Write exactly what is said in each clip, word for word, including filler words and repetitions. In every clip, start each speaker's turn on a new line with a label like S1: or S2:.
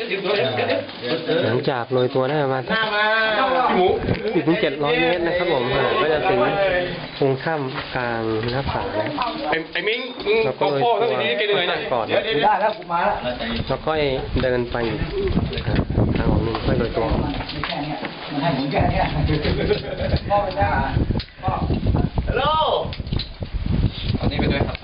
S1: หลังจากโรยตัวได้ประมาณอีกถึงเจ็ดร้อยเมตรนะครับผมก็จะถึงตรงถ้ำกลางหน้าผาแล้ว
S2: ไอ้มิ้งแล้วก็โรยตัวก่อนได้แล้วมาแล้วก็เดินไปทางของนึงค่อยโรยตัว
S3: มันให้หมุนแค่นี้พ่อไปได้พ่อฮัลโหล
S2: อันนี้ไปด้วยครับ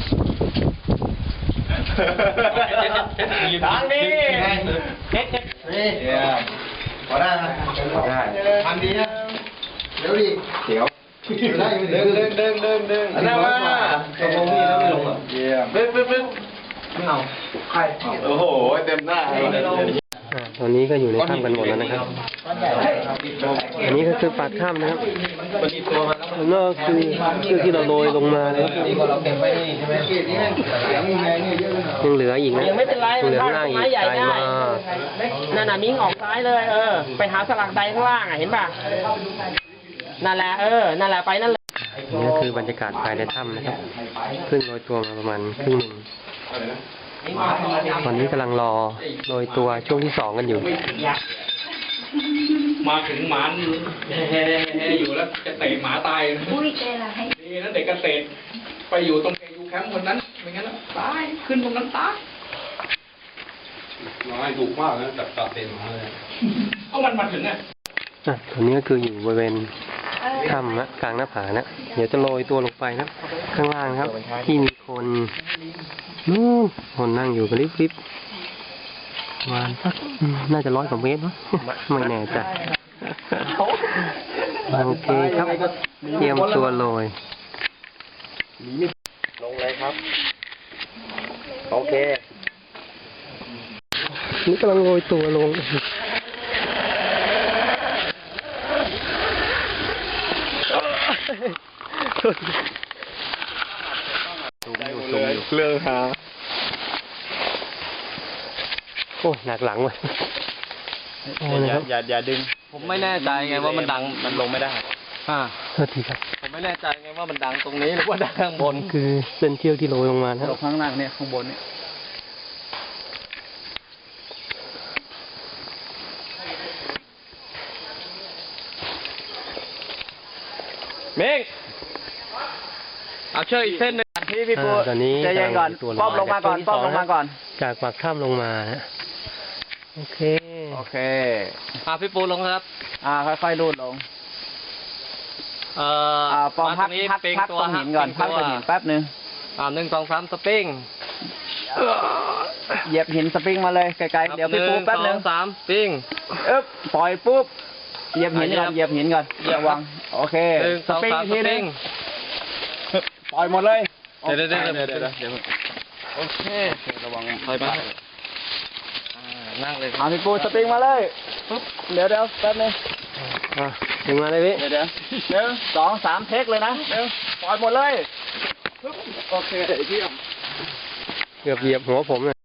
S3: ทางนี้เช็ดเช็ดนี่พอได้ไหมได้ทำดีนะเดี๋ยวดิเดี๋ยวได้เดินเดินเดินเดินเดินนั่งมาตรงนี้แล้วไม่ลงอ่ะเยี่ยมเบิ้งเบิ้งเบิ้งไม่เอาใครโอ้โหเต็มหน้า
S1: ตอนนี้ก็อยู่ในถ้ำกันหมดแล้วนะครับอันนี้ก็คือปากถ้ำนะครับแล้วก็คือคือที่เราโรยลงมาเลยยังเหลืออีกนะ
S4: ยังไม่เป็นไร
S1: เหลือ
S4: มัน
S1: หน้าอีก
S4: ใหญ่ได้
S1: มา
S4: นั่นน่ะมิ้งออกซ้ายเลยเออไปหาสลักใดข้างล่างอ่ะเห็นป่ะนั่นแหละเออนั่นแหละไปนั่นเลย
S1: นี่ก็คือบรรยากาศภายในถ้ำนะครับเพิ่งโรยตัวมาประมาณครึ่งหนึ่งตอนนี้กำลังรอโรยตัวช่วงที่สองกันอยู่
S2: มาถึงหมาแฮ่ๆอยู่แล้วจะเตะหมาตายนี่นั่นเด็กเกษตรไปอยู่ตรงเคยูแคมป์คนนั้นไม่งั้นตายขึ้นตรงนั้นตายน้อยดุมากนะจับจับเตะหมาเลยเอามันมาถึงอ่ะ
S1: อ่ะตอนนี้ก็คืออยู่บริเวณถ้ำนะกลางหน้าผานะเดี๋ยวจะโรยตัวลงไปนะข้างล่างครับที่มีคนนู่นคนนั่งอยู่กันริบๆประมาณสักน่าจะร้อยกว่าเมตรมั้งไม่แน่ใจโอเคครับเตรียมตัวโรย
S3: ลงเลยครับโอเค
S1: นี่กำลังโรยตัวลง
S2: เรื่องหา
S1: โอ้หนักหลังว่ะ
S3: อย่าอย่าอย่าดึงผมไม่แน่ใจไงว่ามันดังมันลงไม่ได้
S1: อ่าโทษทีครับ
S3: ผมไม่แน่ใจไงว่ามันดังตรงนี้หรือว่าดังข้างบน
S1: คือเส้นเชือกที่โรยลงมาครับ
S3: ข้างล่างเนี่ยข้างบนเนี่ยเมฆเอาเชือกอีกเส้นหนึ่งที่พี่ปู
S1: ตอนนี้
S3: ใจเย็นก่อนป้อมลงมาก่อนป้อมลงมาก่อน
S1: จากปากถ้ำลงมาโอเค
S3: โอเคอ่าพี่ปูลงครับอ่าค่อยๆลูดลงเอ่อป้อมพักพักพักตรงหินก่อนพักตรงหินแป๊บนึงอ่าหนึ่งสองสามสปริงเหยียบหินสปริงมาเลยไกลๆเดี๋ยวพี่ปูแป๊บนึง
S2: สามสปริง
S3: อึ๊บปล่อยปุ๊บเหยียบหินก่อนเหยียบหินก่อนระวังโอเคสปริงทีนึงปล่อยหมดเลย
S2: เดี๋ยวเดี๋ยวเดี๋ยวเดี๋ยวเดี๋ยว
S3: โอเคระวัง
S2: ถอยมานั่งเลย
S3: เอาพี่ปูสปริงมาเลยปุ๊บเดี๋ยวเดี๋ยวแป๊บนึง
S1: อ่ะถึงมาเลยพี่
S3: เดี๋ยวเดี๋ยวหนึ่งสองสามเทคเลยนะเดี๋ยวปล่อยหมดเลยโอเคเยี่ยม
S1: เกือบเหยียบหัวผมเลย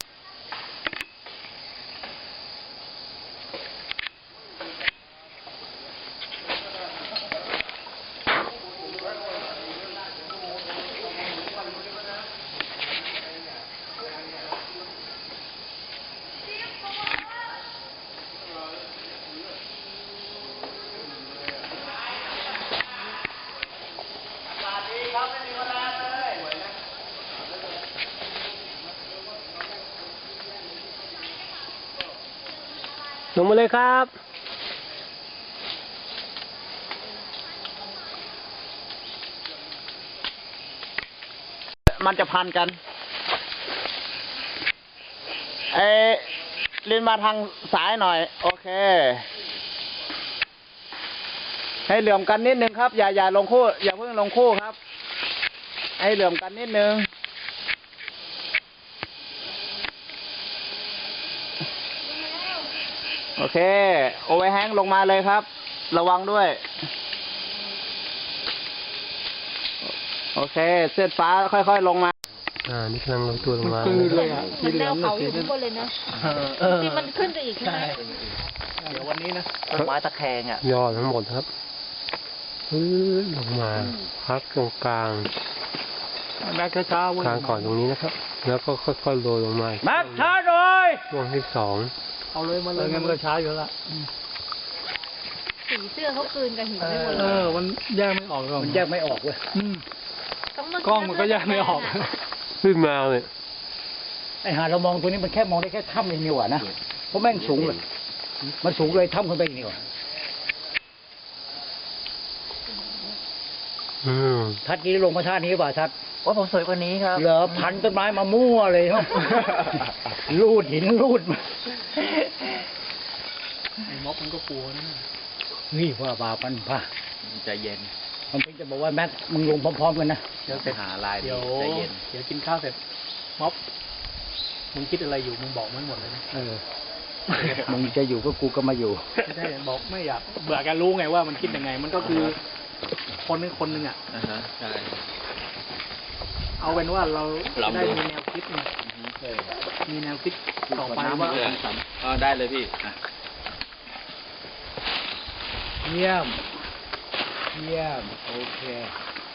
S1: ลงมาเลยครับ
S3: มันจะพันกันเอลินมาทางซ้ายหน่อยโอเคให้เหลื่อมกันนิดนึงครับอย่าอย่าลงคู่อย่าเพิ่งลงคู่ครับให้เหลื่อมกันนิดนึงโอเคโอเวอร์แฮงลงมาเลยครับระวังด้วยโอเคเส้นฟ้าค่อยๆลงมา
S1: อ่านี่กำลังลงตัวลงมา
S5: เลยอ่ะมันแนวเขาอยู่ข้างบนเลยนะที่มันขึ้นไปอีกใช่ไหม
S3: เดี๋ยววันนี้นะต้นไม้ตะแคงอ่ะ
S1: ยอดทั้งหมดครับลงมาพักตรงกลาง
S3: แม็กช้าๆ
S1: กลางก่อนตรงนี้นะครับแล้วก็ค่อยๆโรยลงมา
S3: แม็กช้าหน่อย
S1: ช่วงที่สอง
S3: เอาเลยมาเลยงั้นมันก็ช้าอยู่ละ
S5: สีเสื้อเขากลืนกับหินไปหมด
S3: เอ
S5: เลย
S3: อมันแยกไม่ออกหรอกมันแยกไม่ออกเว้ย
S5: ต้องมาก
S3: ล้องมันก็แยกไม่ออก
S1: ขึ้นมาเลย
S3: ไอหาเรามองตัวนี้มันแค่มองได้แค่ถ้ำเองนี่หว่านะเพราะแม่งสูงเลยมันสูงเลยถ้ำขึ้นไปอีกนี่หว่า
S1: อืม
S3: ทัดนี้ลงมาท่านี้ป่ะทัด
S4: ว่าผมสวยกว่านี้ครับ
S3: เหรอพันต้นไม้มามั่วเลยครับ ลูดหินลูดมาไอ้ม็อบมันก็กลัวนะนี่ว่าบาปันป่ะ
S4: ใจเย็น
S3: มันเป็นจะบอกว่าแม็กมึงลงพร้อมๆกันนะ
S4: เดี๋ยวเสร็จหาลายเดี๋ยวใจเย็น
S3: เดี๋ยวกินข้าวเสร็จม็อบมึงคิดอะไรอยู่มึงบอกมันหมดเลยนะเออ มึงจะอยู่ก็กูก็มาอยู่ไม่ใช่บอกไม่อยากเบื่อการรู้ไงว่ามันคิดยังไง มันก็คือคนนึงคนหนึ่งอ่ะ
S4: อ่าฮะใช่
S3: เอาเป็นว่าเรา
S4: ลอง
S3: ได้
S4: ดู
S3: มีแนวคิดไงมีแนวคิดต่อไปว่า
S4: อ๋อได้เลยพี่อ่ะ
S3: เยี่ยม เยี่ยม โอเค